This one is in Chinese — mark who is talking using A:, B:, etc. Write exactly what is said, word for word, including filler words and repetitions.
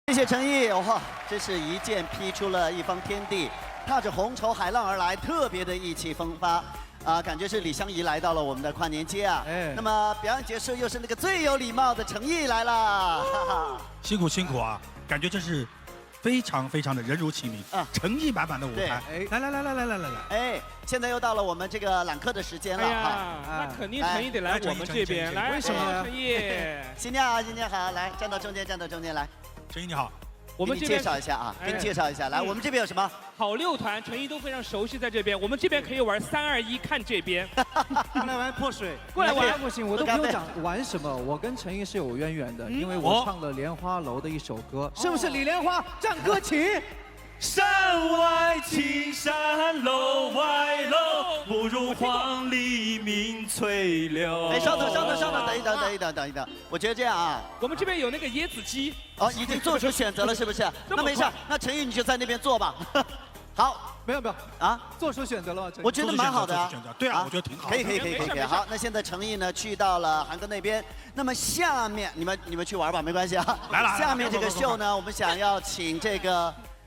A: 谢谢陈毅，哇，真是一剑劈出了一方天地，踏着红绸海浪而来，特别的意气风发。啊，感觉是李香怡来到了我们的跨年街啊。哎，那么表演结束，又是那个最有礼貌的陈毅来了，哈哈。
B: 辛苦辛苦啊，感觉真是非常非常的人如其名啊，诚意满满的舞台。哎，来来来来来来来来，
A: 哎，现在又到了我们这个揽客的时间了
C: 哈。那肯定陈毅得来我们这边，来，为什么？陈毅，
A: 新娘好，新娘好，来站到中间，站到中间来。
B: 陈毅你好。
A: 我们介绍一下啊，给你介绍一下，来，我们这边有什么？
C: 好六团，陈毅都非常熟悉，在这边，我们这边可以玩三二一，看这边。
D: 过来玩泼水，
C: 过来玩
D: 不行，我都不用讲玩什么，我跟陈毅是有渊源的，因为我唱了《莲花楼》的一首歌，是不是？李莲花，战歌请。
E: 山外青山楼外楼，不如黄鹂鸣翠柳。
A: 哎，稍等，稍等，稍等，等一等，等一等，等一等。我觉得这样啊，
C: 我们这边有那个椰子鸡，
A: 哦，已经做出选择了，是不是？那没事，那陈毅你就在那边坐吧。好，
D: 没有没有啊，做出选择了吗？
A: 我觉得蛮好的啊。
B: 对啊，我觉得挺好。
A: 可以可以可以可以。好，那现在陈毅呢去到了韩哥那边，那么下面你们你们去玩吧，没关系啊。
B: 来了。
A: 下面这个秀呢，我们想要请这个。